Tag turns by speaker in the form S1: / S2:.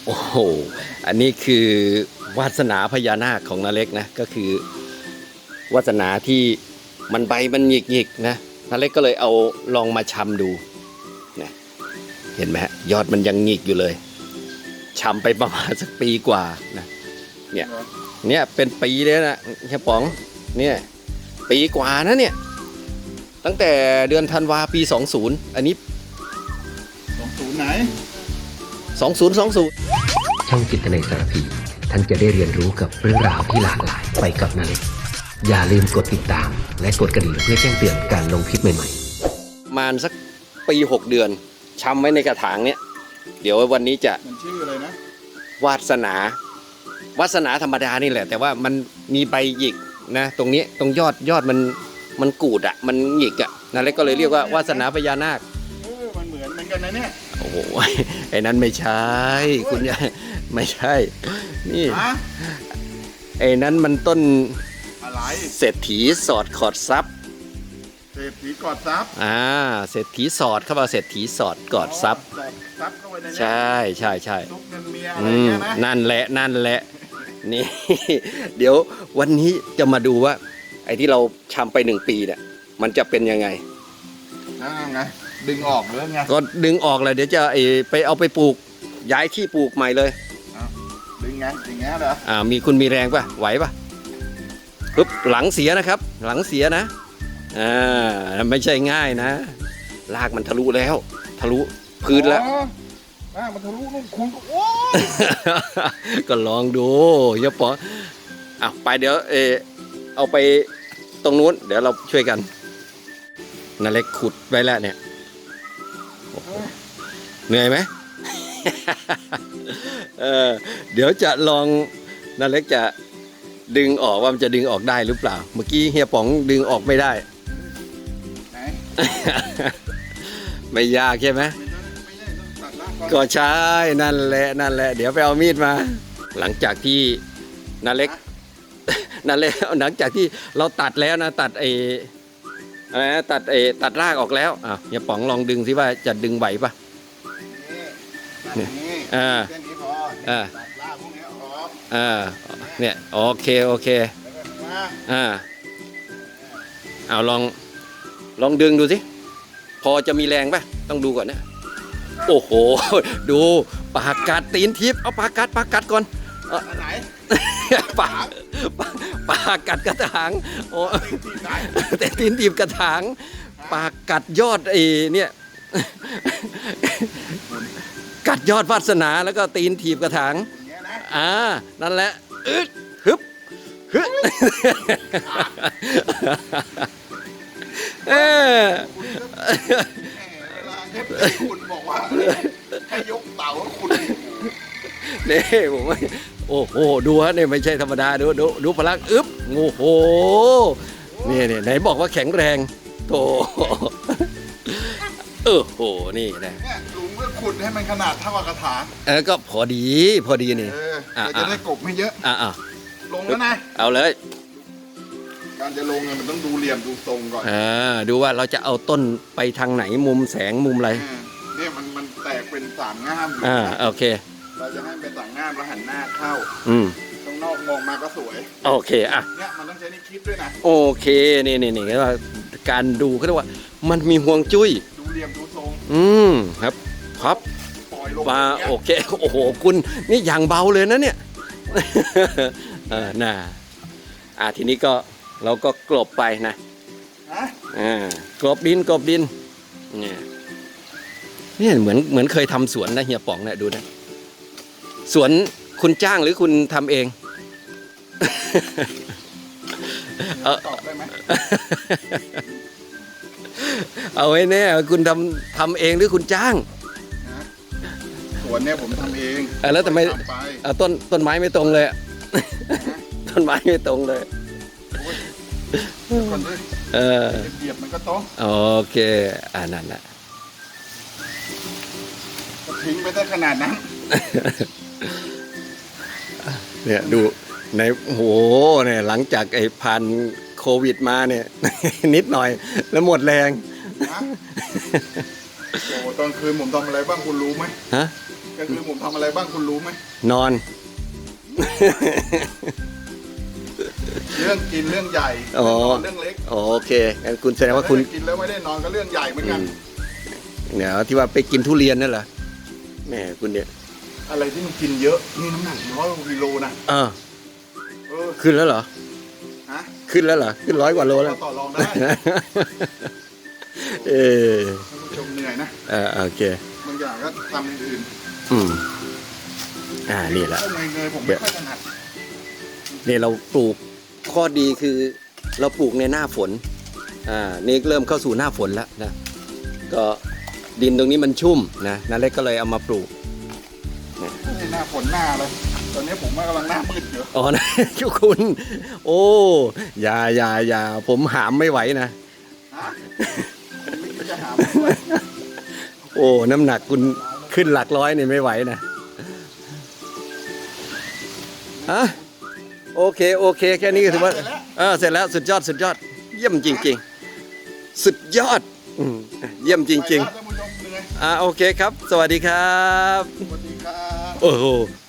S1: โอ้โหอันนี้คือวาสนาพญานาคของนาเล็กนะก็คือวาสนาที่มันใบมันหยิกๆนะนาเล็กก็เลยเอาลองมาชำดูนะเห็นไหมฮะยอดมันยังหงิกอยู่เลยชำไปประมาณสักปีกว่านะเนี่ยเป็นปีเลยนะเฮียป๋องเนี่ยปีกว่านะเนี่ยตั้งแต่เดือนธันวาปี20อันนี้
S2: 20ไหน
S1: 2020
S3: ช่องจิตในสารพีท่านจะได้เรียนรู้กับเรื่องราวที่หลากหลายไปกับนาเล็กอย่าลืมกดติดตามและกดกระดิ่งเพื่อแจ้งเตือนการลงคลิปใหม่ๆ
S1: ประมาณสักปี6 เดือนชำไว้ในกระถางเนี้ยเดี๋ยววันนี้จะ
S2: มันชื่ออะไรนะ
S1: วาสนาธรรมดานี่แหละแต่ว่ามันมีใบหยิกนะตรงนี้ตรงยอดมันกูดอ่ะมันหยิกอ่ะนั่นเลยก็เลยเรียกว่าวาสนาพญานาค
S2: มันเหมือนกันนะเนี่ย
S1: โอ้โหไอ้นั้นไม่ใช่คุณยายไม่ใช่นี่ไอ้นั้นมันต้น
S2: อะไร
S1: เศรษฐีสอดขอดซับ
S2: เศรษฐีกอดซับ
S1: เศรษฐีสอดเข้ามาเศรษฐีสอดกอดซับ
S2: เข้าไปในนี้
S1: ใช่
S2: ซุกเงินเมียอะไรเงี้ยนะ
S1: นั่นแหละนี่ เดี๋ยววันนี้จะมาดูว่าไอ้ที่เราชำไป1 ปีเนี่ยมันจะเป็นยังไง
S2: ไงดึงออกหรือไง
S1: ก็ดึงออกเลยเดี๋ยวจะไปเอาไปปลูกย้ายที่ปลูกใหม่เลย
S2: ดึงไงอย่างเงี้ยเหรอ
S1: คุณมีแรงป่ะไหวป่ะปึ๊บหลังเสียนะครับหลังเสียนะไม่ใช่ง่ายนะรากมันทะลุแล้วทะลุพื้นแล้ว
S2: มันทะลุนู่นคุณโอ้
S1: ก็ลองดูอย่าปอไปเดี๋ยวเอาไปตรงนู้นเดี๋ยวเราช่วยกันนาเล็กขุดไว้แล้วเนี่ยเหนื่อยไหม เดี๋ยวจะลองนาเล็กจะดึงออกว่ามันจะดึงออกได้หรือเปล่าเมื่อกี้เฮียป๋องดึงออกไม่ได้ ไม่ยากใช่ไหมก็ใช่นั่นแหละเดี๋ยวไปเอามีดมาหลังจากที่นาเล็กหลังจากที่เราตัดแล้วนะตัดตัดรากออกแล้วอย่าป๋องลองดึงสิว่าจะดึงไหวปะ
S2: เนี่ยแค่นี้พอตัดรากพวกนี้ออก
S1: เนี่ยโอเคเอาลองดึงดูสิพอจะมีแรงปะต้องดูก่อนนะโอ้โหดูปากกัดตีนทิพย์เอาปากกัดก่อน
S2: ไหน
S1: ปากกัดกระถางโอ้แต่ตีนทิพย์กระถางปากกัดยอดเนี่ยกัดยอดวาสนาแล้วก็ตีนถีบกระถางนั่นแหละฮึบ
S2: คุณบอกว่าให้ยกเต๋าคุณ
S1: นี่ผมว่าโอ้โหดูฮะเนี่ยไม่ใช่ธรรมดาดูพลังโอ้โหนี่ไหนบอกว่าแข็งแรงโธ่โหนี่นะ
S2: ลุงก็ขุดให้มันขนาดเท่ากับกระถาง
S1: ก็พอดีนี่
S2: จะได้กบไม่เยอะลงแล้วนะ
S1: เอาเลย
S2: การจะลงมันต้องดูเหลี่ยมดูทรงก่อน
S1: ดูว่าเราจะเอาต้นไปทางไหนมุมแสงมุมอะไร
S2: เนี่ยมันแตกเป็นสามง่าม
S1: โอเค
S2: เราจะให้เป็นสามง่ามแล้วหันหน้าเข้าตรงนอกมองมาก็สวย
S1: โอเค
S2: เนี่ยมันต้องใช้นี่คิดด้วยนะ
S1: โอเคนี่ว่าการดูเขาเรียกว่ามันมีห่วงจุ้ย
S2: ดูเหลี่ยมดูทรง
S1: ครับมาโอเคโอ้โหคุณนี่อย่างเบาเลยนะเนี่ยทีนี้ก็เราก็กลบไปนะกลบดินเนี่ยเหมือนเคยทำสวนนะเฮียป๋องเนี่ยดูนะสวนคุณจ้างหรือคุณทำเอง
S2: ตอบได้ไหม
S1: เอาไว้แน่คุณทำเองหรือคุณจ้าง
S2: สวนเนี่ยผมทำเอง
S1: แล้วทำไมต้นไม้ไม่ตรงเลยต้นไม้ไม่ตรงเลย
S2: เหยียบมันก็ตรง
S1: โอเคนั่นแหละ
S2: ทิ้งไปได้ขนาดนั้น
S1: เนี่ยดูในโหเนี่ยหลังจากผ่านโควิดมาเนี่ยนิดหน่อยแล้วหมดแรง
S2: โอ้ตอนคืนผมทำอะไรบ้างคุณรู้ไหมก็คือผมทำอะไรบ้างคุณรู้ไหม
S1: นอน
S2: เรื่องกินเรื่องใหญ่
S1: อ๋อ
S2: เรื่องเล็ก
S1: โอเคงั้นคุณแสดงว่าคุณ
S2: แต่ถ้กินแล้วไม่ได้นอนก็เรื่องใหญ่เหมือนกัน
S1: เนี่ยที่ว่าไปกินทุเรียนนั่นเหรอแหม่คุณเนี่ย
S2: อะไรที่มันกินเยอะนี่น้ำหนัก100 กิโลนะ
S1: อ่า
S2: เออ
S1: ขึ้นแล้วเหรอ
S2: ฮะ
S1: ขึ้นแล้วเหรอขึ้น100 กว่าโลแล้ว
S2: ก็ต่อรองได้
S1: เออ
S2: ท่านผู้ชมเหนื่อยนะ
S1: โอเค
S2: บางอย่างก็ทำอย่างอื่น
S1: อืมนี่แหละ
S2: ข้าวเนยผมไม่ค่อยถนัด
S1: เนี่ยเราปลูกข้อดีคือเราปลูกในหน้าฝนนี่เริ่มเข้าสู่หน้าฝนแล้วนะก็ดินตรงนี้มันชุ่มนะนาเล็กก็เลยเอามาปลูก
S2: นี่หน้าฝนหน้าเลยตอนนี้ผมกำลังหน้ามืดอยู่
S1: อ๋อนะ คุณ โอ้อย่าผมหามไม่ไหวนะ
S2: ฮะผมไม่คิดจะหาผมด้วย
S1: โอ้น้ำหนักคุณขึ้นหลักร้อยเนี่ยไม่ไหวนะฮะโอเคแค่นี้ก็ถือว่าเสร็จแล้วสุดยอดเยี่ยมจริงๆสุดยอดเยี่ยมจริง
S2: ไปแล้วท่านผู้ชมเหนื่อย
S1: ๆโอเคครับ สวัสดีครับ
S2: สวัสดีครับ
S1: โอ้โห